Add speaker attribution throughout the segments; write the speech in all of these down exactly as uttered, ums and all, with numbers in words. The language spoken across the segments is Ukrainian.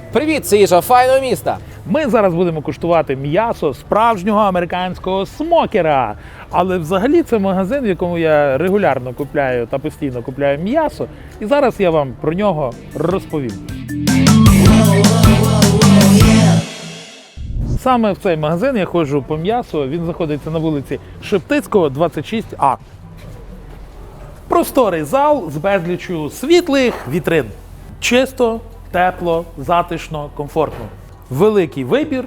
Speaker 1: Привіт, це їжа файного міста.
Speaker 2: Ми зараз будемо куштувати м'ясо справжнього американського смокера. Але взагалі це магазин, в якому я регулярно купляю та постійно купляю м'ясо. І зараз я вам про нього розповім. Саме в цей магазин я ходжу по м'ясу. Він знаходиться на вулиці Шептицького, двадцять шість А. Просторий зал з безліччю світлих вітрин. Чисто, тепло, затишно, комфортно. Великий вибір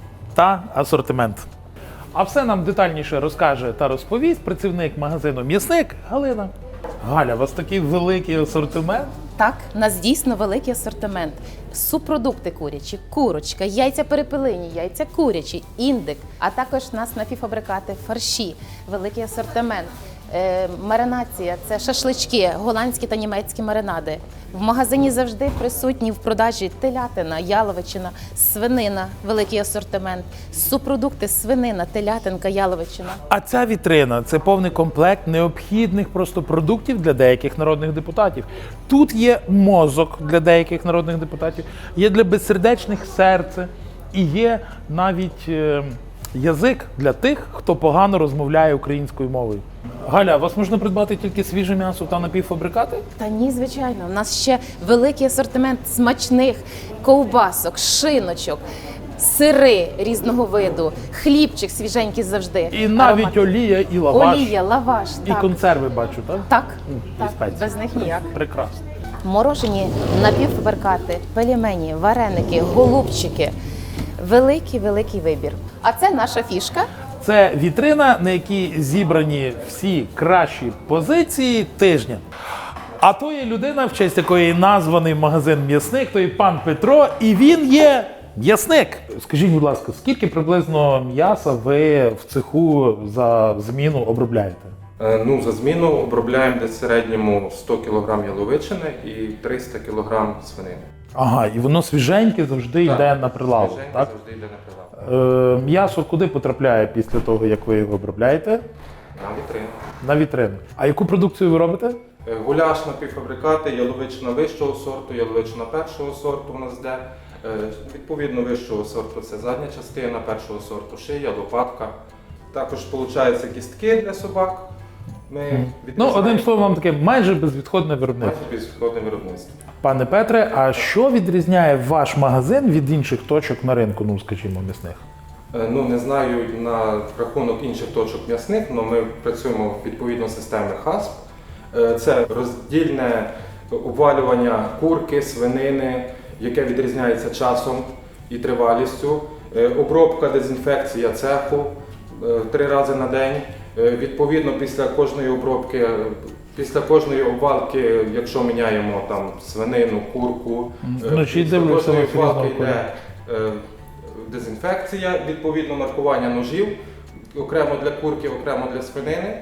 Speaker 2: та асортимент. А все нам детальніше розкаже та розповість працівник магазину «М'ясник» Галина. Галя, у вас такий великий асортимент?
Speaker 3: Так, у нас дійсно великий асортимент. Субпродукти курячі, курочка, яйця перепелині, яйця курячі, індик, а також у нас напівфабрикати, фарші, великий асортимент. Е, маринація – це шашлички, голландські та німецькі маринади. В магазині завжди присутні в продажі телятина, яловичина, свинина, великий асортимент, субпродукти свинина, телятинка, яловичина.
Speaker 2: А ця вітрина – це повний комплект необхідних просто продуктів для деяких народних депутатів. Тут є мозок для деяких народних депутатів, є для безсердечних серце і є навіть е, язик для тих, хто погано розмовляє українською мовою. Галя, у вас можна придбати тільки свіже м'ясо та напівфабрикати?
Speaker 3: Та ні, звичайно. У нас ще великий асортимент смачних ковбасок, шиночок, сири різного виду, хлібчик свіженький завжди.
Speaker 2: І навіть
Speaker 3: Аромат.
Speaker 2: олія, і лаваш,
Speaker 3: Олія, лаваш,
Speaker 2: і
Speaker 3: так.
Speaker 2: консерви бачу, так?
Speaker 3: Так,
Speaker 2: І
Speaker 3: так,
Speaker 2: спеції.
Speaker 3: без них ніяк.
Speaker 2: Прекрасно.
Speaker 3: Морожені напівфабрикати, пельмені, вареники, голубчики. Великий-великий вибір. А це наша фішка.
Speaker 2: Це вітрина, на якій зібрані всі кращі позиції тижня. А то є людина, в честь якої названий магазин «М'ясник», то є пан Петро, і він є м'ясник. Скажіть, будь ласка, скільки приблизно м'яса ви в цеху за зміну обробляєте?
Speaker 4: Е, Ну, за зміну обробляємо десь в середньому сто кілограм яловичини і триста кілограм свинини.
Speaker 2: Ага, і воно свіженьке завжди
Speaker 4: Так,
Speaker 2: йде на прилавок,
Speaker 4: свіженьке
Speaker 2: так?
Speaker 4: завжди йде на прилавок.
Speaker 2: Е, м'ясо куди потрапляє після того, як ви його обробляєте?
Speaker 4: На вітрину.
Speaker 2: На вітрину. А яку продукцію ви робите?
Speaker 4: Е, Гуляш напівфабрикати, яловичина вищого сорту, яловичина першого сорту у нас йде. Е, Відповідно вищого сорту це задня частина, першого сорту шия, лопатка. Також виходить кістки для собак. Ми
Speaker 2: Ну,
Speaker 4: відрізаємо
Speaker 2: одним словом, таке майже безвідходне виробництво.
Speaker 4: майже безвідходне виробництво.
Speaker 2: Пане Петре, а що відрізняє ваш магазин від інших точок на ринку, ну, скажімо, м'ясних?
Speaker 4: Е, Ну, не знаю на рахунок інших точок м'ясних, але ми працюємо відповідно системи хасп. Е, Це роздільне обвалювання курки, свинини, яке відрізняється часом і тривалістю. Е, Обробка, дезінфекція цеху е, три рази на день. Е, Відповідно, після кожної обробки, після кожної обвалки, якщо міняємо там свинину, курку, е,
Speaker 2: Вночі
Speaker 4: після
Speaker 2: дивлюся,
Speaker 4: кожної
Speaker 2: ви
Speaker 4: обвалки
Speaker 2: серйозно
Speaker 4: йде е, дезінфекція, відповідно маркування ножів, окремо для курки, окремо для свинини.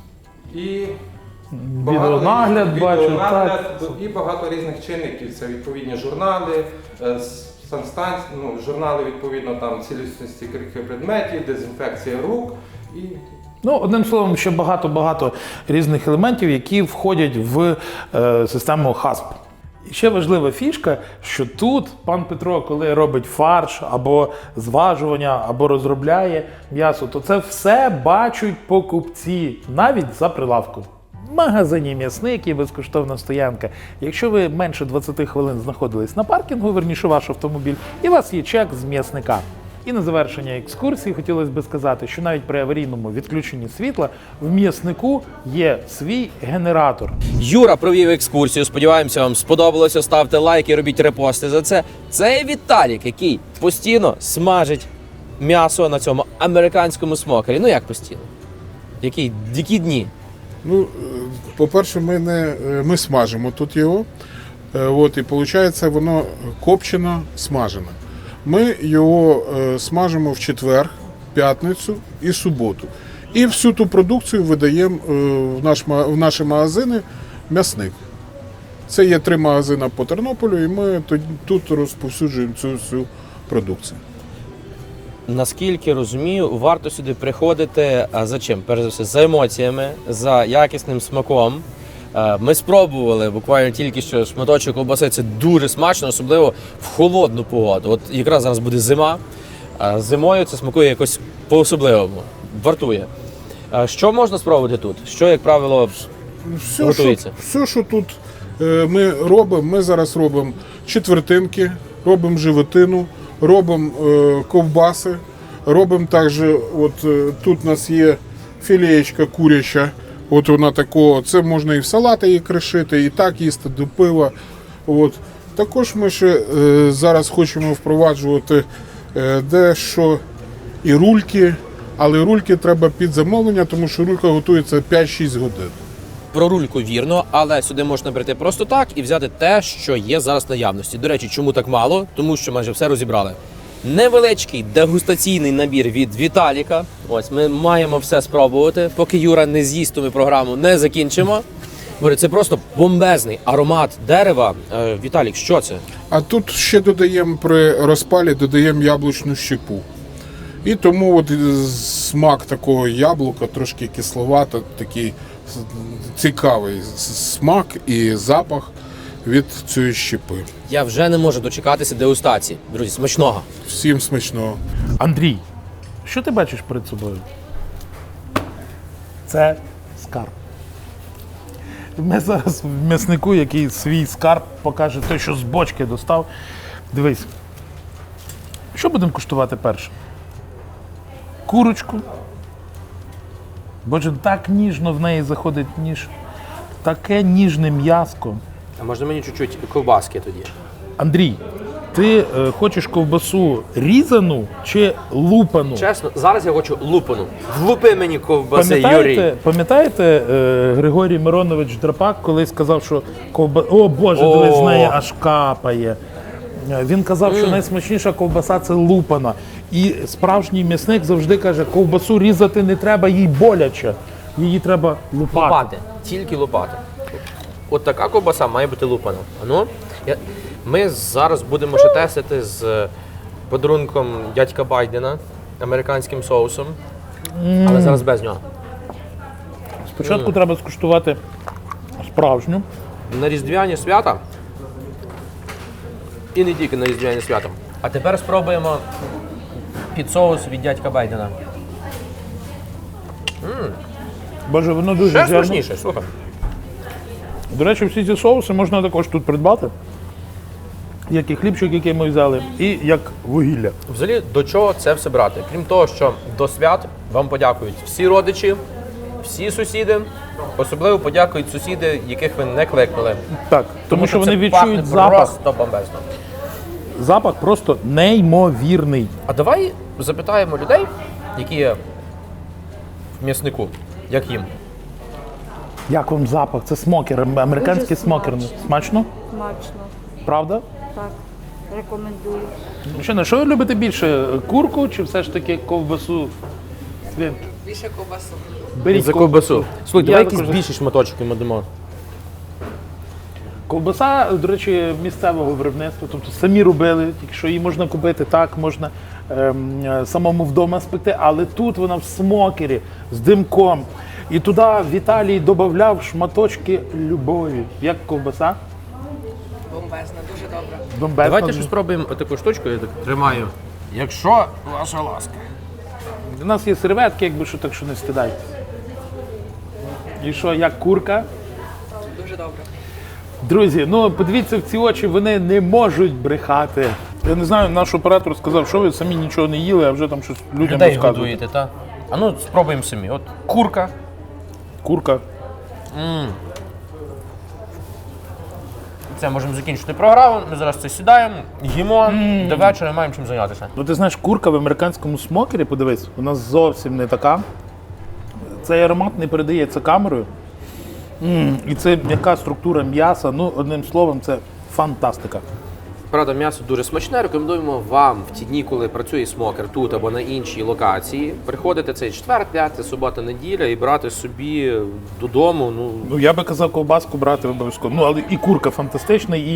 Speaker 4: І
Speaker 2: Відеонагляд,
Speaker 4: різних-
Speaker 2: бачу,
Speaker 4: відеонагляд,
Speaker 2: так.
Speaker 4: і багато різних чинників. Це відповідні журнали, е, санстанції, ну, журнали відповідно там цілісності крихи предметів, дезінфекція рук і
Speaker 2: Ну, одним словом, ще багато-багато різних елементів, які входять в е, систему хасп. І ще важлива фішка, що тут пан Петро, коли робить фарш, або зважування, або розробляє м'ясо, то це все бачать покупці, навіть за прилавком. В магазині «М'ясник» є безкоштовна стоянка. Якщо ви менше двадцяти хвилин знаходились на паркінгу, верніше ваш автомобіль, і у вас є чек з «М'ясника». І на завершення екскурсії хотілося б сказати, що навіть при аварійному відключенні світла в «М'яснику» є свій генератор.
Speaker 1: Юра провів екскурсію. Сподіваємося, вам сподобалося. Ставте лайки, робіть репости за це. Це Віталік, який постійно смажить м'ясо на цьому американському смокері. Ну як постійно? Які, які дні?
Speaker 5: Ну, е, по-перше, ми, не, е, ми смажимо тут його. Е, От, і виходить, воно копчено, смажене. Ми його е, смажимо в четвер, п'ятницю і суботу. І всю ту продукцію видаємо е, в, наш, ма- в наші магазини «М'ясник». Це є три магазини по Тернополю, і ми тут, тут розповсюджуємо цю всю продукцію.
Speaker 1: Наскільки розумію, варто сюди приходити а за чим? Перш за все, за емоціями, за якісним смаком. Е, Ми спробували буквально тільки що шматочок ковбаси. Це дуже смачно, особливо в холодну погоду. От якраз зараз буде зима. а Зимою це смакує якось по-особливому. Вартує. Е, Що можна спробувати тут? Що, як правило,
Speaker 5: Все, що,
Speaker 1: готується?
Speaker 5: все, що тут е, ми робимо, ми зараз робимо четвертинки, робимо животину, робимо е, ковбаси, робимо також, от е, тут у нас є філеєчка куряча, от вона такого, це можна і в салати її кришити, і так їсти до пива. От. Також ми ще е, зараз хочемо впроваджувати е, дещо і рульки, але рульки треба під замовлення, тому що рулька готується п'ять-шість годин.
Speaker 1: Про рульку вірно, але сюди можна прийти просто так і взяти те, що є зараз в наявності. До речі, чому так мало? Тому що майже все розібрали. Невеличкий дегустаційний набір від Віталіка. Ось ми маємо все спробувати. Поки Юра не з'їсть, то ми програму не закінчимо. Говорю, це просто бомбезний аромат дерева. Е, Віталік, що це?
Speaker 5: А тут ще додаємо при розпалі додаємо яблучну щепу. І тому от смак такого яблука, трошки кисловато, такий цікавий смак і запах від цієї щепи.
Speaker 1: Я вже не можу дочекатися дегустації. Друзі, смачного.
Speaker 5: Всім смачного.
Speaker 2: Андрій, що ти бачиш перед собою? Це скарб. Ми зараз в м'яснику, який свій скарб покаже той, що з бочки достав. Дивись, що будемо куштувати перше? Курочку. Боже, так ніжно в неї заходить ніж. Таке ніжне м'яско.
Speaker 1: А можна мені чуть-чуть ковбаски тоді?
Speaker 2: Андрій, ти е, хочеш ковбасу різану чи лупану?
Speaker 1: Чесно, зараз я хочу лупану. Влупи мені ковбаси,
Speaker 2: Пам'ятаєте,
Speaker 1: Юрій.
Speaker 2: пам'ятаєте е, Григорій Миронович Драпак, коли сказав, що ковба... О Боже,
Speaker 1: О!
Speaker 2: дивись, з неї аж капає. Е, Він казав, що найсмачніша ковбаса це лупана. І справжній м'ясник завжди каже, ковбасу різати не треба, їй боляче. Її треба лупати.
Speaker 1: Лупати. Тільки лупати. От така ковбаса має бути лупана. А ну, я... Ми зараз будемо ще тестити з подарунком дядька Байдена, американським соусом, але зараз без нього.
Speaker 2: Спочатку треба скуштувати справжню.
Speaker 1: На різдвяні свята, і не тільки на різдвяні свята. А тепер спробуємо під соус від дядька Байдена.
Speaker 2: Боже, воно дуже
Speaker 1: Ще
Speaker 2: зерно.
Speaker 1: смачніше, слухай.
Speaker 2: До речі, всі ці соуси можна також тут придбати. Як і хлібчик, який ми взяли, і як вугілля.
Speaker 1: Взагалі, до чого це все брати? Крім того, що до свят вам подякують всі родичі, всі сусіди. Особливо подякують сусіди, яких ви не кликнули.
Speaker 2: Так, тому, що вони
Speaker 1: це
Speaker 2: відчують
Speaker 1: пахне
Speaker 2: запах.
Speaker 1: просто бомбезно.
Speaker 2: Запах просто неймовірний.
Speaker 1: А давай запитаємо людей, які є в м'яснику, як їм.
Speaker 2: Як вам запах? Це смокер, американський
Speaker 6: Дуже
Speaker 2: смокер.
Speaker 6: смачно.
Speaker 2: Смачно?
Speaker 6: Смачно.
Speaker 2: Правда?
Speaker 6: Так, рекомендую.
Speaker 2: Мужчина, що ви любите більше? Курку чи все ж таки ковбасу? Свин?
Speaker 7: Більше ковбасу.
Speaker 2: Беріть
Speaker 1: За ковбасу. Слухай,
Speaker 2: Я
Speaker 1: давай якісь
Speaker 2: також-
Speaker 1: більші шматочки ми дамо.
Speaker 2: Ковбаса, до речі, місцевого виробництва, тобто самі робили, тільки що її можна купити так, можна ем, е, самому вдома спекти, але тут вона в смокері з димком. І туди Віталій додавав шматочки любові. Як ковбаса?
Speaker 7: Бомбезна, дуже добре.
Speaker 2: Бомбезна.
Speaker 1: Давайте ще спробуємо таку штучку, я так тримаю. Якщо ваша ласка.
Speaker 2: У нас є серветки, якби що, так що не стидайтесь. І що, як курка?
Speaker 7: Дуже добре.
Speaker 2: Друзі, ну подивіться в ці очі, вони не можуть брехати. Я не знаю, наш оператор сказав, що ви самі нічого не їли, а вже там щось людям
Speaker 1: Людей
Speaker 2: розказуєте.
Speaker 1: годуєте, так? А ну спробуємо самі. От курка.
Speaker 2: Курка.
Speaker 1: Це можемо закінчити програму. Ми зараз це сідаємо, їмо, до вечора маємо чим зайнятися.
Speaker 2: Ну ти знаєш, курка в американському смокері, подивись, вона зовсім не така. Цей аромат не передається камерою. М, І це м'яка структура м'яса, ну одним словом, це фантастика.
Speaker 1: Правда, м'ясо дуже смачне. Рекомендуємо вам в ті дні, коли працює смокер тут або на іншій локації, приходити цей четвер, п'ятий, субота, неділя і брати собі додому. Ну,
Speaker 2: Ну я би казав ковбаску брати обов'язково. Ну але і курка фантастична, і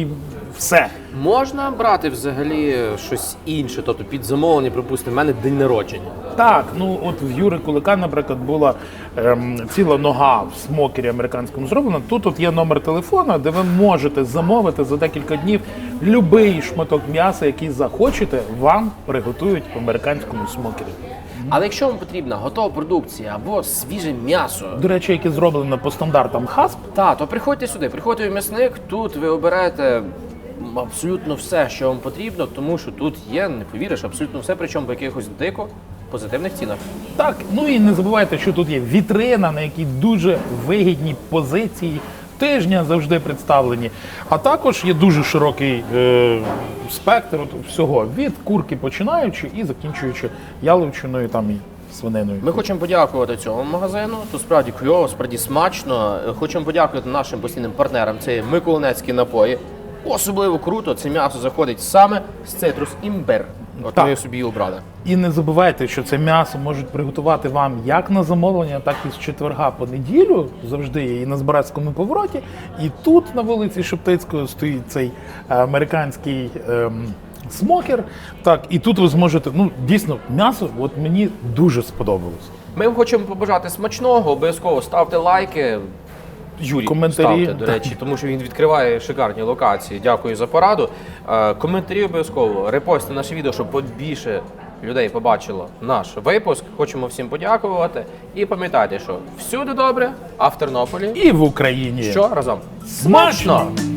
Speaker 2: все.
Speaker 1: Можна брати взагалі щось інше, тобто під замовлення, припустимо, в мене день народження.
Speaker 2: Так, ну от в Юри Кулика, наприклад, була ем, ціла нога в смокері американському зроблена. Тут от є номер телефона, де ви можете замовити за декілька днів любий шматок м'яса, який захочете, вам приготують в американському смокері.
Speaker 1: Але якщо вам потрібна готова продукція або свіже м'ясо,
Speaker 2: До речі, яке зроблено по стандартам хасп,
Speaker 1: та, то приходьте сюди, приходьте в м'ясник, тут ви обираєте абсолютно все, що вам потрібно, тому що тут є, не повіриш, абсолютно все, причому по якихось дико позитивних цінах.
Speaker 2: так, ну і не забувайте, що тут є вітрина, на якій дуже вигідні позиції тижня завжди представлені. А також є дуже широкий е, спектр от всього, від курки починаючи і закінчуючи яловичиною там і свининою.
Speaker 1: Ми хочемо подякувати цьому магазину. Тут справді кльово, справді смачно. Хочемо подякувати нашим постійним партнерам. Це Миколинецькі напої. Особливо круто, це м'ясо заходить саме з цитрус імбир. От
Speaker 2: Так.
Speaker 1: ми його собі і обрали.
Speaker 2: І не забувайте, що це м'ясо можуть приготувати вам як на замовлення, так і з четверга по неділю. Завжди є і на Збаразькому повороті. І тут на вулиці Шептицького стоїть цей е, американський ем, смокер. Так, і тут ви зможете, ну дійсно, м'ясо от мені дуже сподобалось.
Speaker 1: Ми вам хочемо побажати смачного, обов'язково ставте лайки. Юрій,
Speaker 2: Коментарі.
Speaker 1: ставте, до речі, тому що він відкриває шикарні локації. Дякую за пораду. Е, Коментарі обов'язково, репостите наше відео, щоб побільше людей побачило наш випуск. Хочемо всім подякувати. І пам'ятайте, що всюди добре, а в Тернополі
Speaker 2: І в Україні.
Speaker 1: що разом
Speaker 2: Смачно!